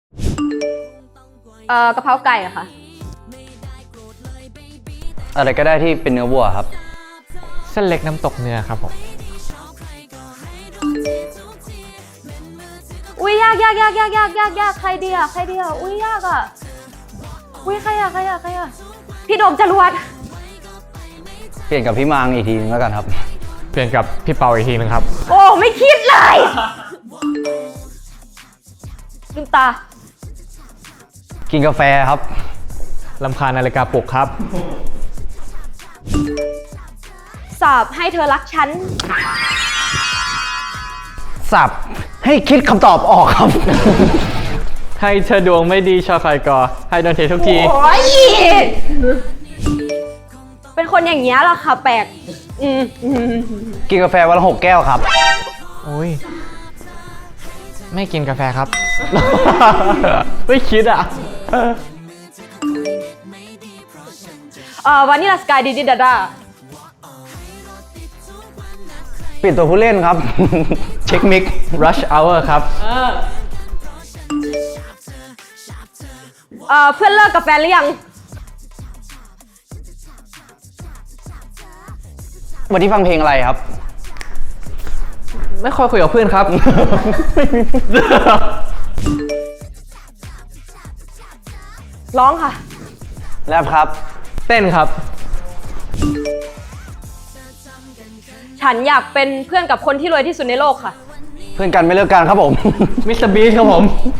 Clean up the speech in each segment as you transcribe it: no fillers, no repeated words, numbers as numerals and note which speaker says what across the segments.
Speaker 1: กะเพราไก่อะค่ะ
Speaker 2: อะไรก็ได้ที่เป็นเนื้อวัวครับ
Speaker 3: เส้นเล็กน้ำตกเนื้อครับผม
Speaker 1: อุ้ยยากใครดีอะอุ้ยยากอะอุ้ยใครอะพี่โดมจรวด
Speaker 2: เปลี่ยนกับพี่มังอีกทีนึงแล้วกันครับ
Speaker 3: เปลี่ยนกับพี่เปาอีกทีนึงครับ
Speaker 1: โอ้ไม่คิดเลยลืมตา
Speaker 2: กินกาแฟครับ
Speaker 3: ลำคาญนาฬิกาปลุกครับ
Speaker 1: สอบให้เธอรักฉัน
Speaker 2: สับให้คิดคำตอบออกครับ
Speaker 3: ให้เธอดวงไม่ดีชอคอยกอให้โดนเททุกที
Speaker 1: โอ้ยเป็นคนอย่างเงี้ยเหรอคะแปลก
Speaker 2: กินกาแฟวันละ6 แก้วครับ
Speaker 3: โอ้ย ไม่กินกาแฟครับ ไม่คิดอ่ะ
Speaker 1: วานิลาสกายดิดาดา
Speaker 2: เปลี่ยนตัวผู้เล่นครับ เช็คมิก
Speaker 3: Rush Hour ครับ
Speaker 1: เพื่อนเลิกกับแฟนหรือยัง
Speaker 2: วันที่ฟังเพลงอะไรครับ
Speaker 3: ไม่ค่อยคุยกับเพื่อนครับ
Speaker 1: ร้องค่ะ
Speaker 2: แรปครับ
Speaker 3: เต้นครับ
Speaker 1: ฉันอยากเป็นเพื่อนกับคนที่รวยที่สุดในโลกค่ะ
Speaker 2: เพื่อนกันไม่เลิกกันครับผม
Speaker 3: มิสเตอร์บีชครับผม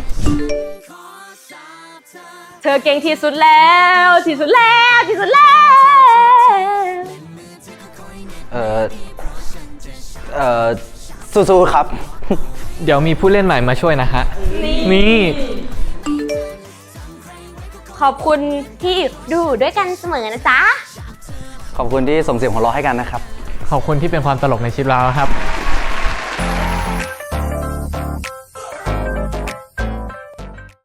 Speaker 1: เธอเก่งที่สุดแล้ว
Speaker 2: สู้ๆครับ
Speaker 3: เดี๋ยวมีผู้เล่นใหม่มาช่วยนะฮะ นี่
Speaker 1: ขอบคุณที่ดูด้วยกันเสมอนะจ๊ะ
Speaker 2: ขอบคุณที่ส่งเสียงหัวเราะให้กันนะครับ
Speaker 3: ขอบคุณที่เป็นความตลกในชีวิตเราครับ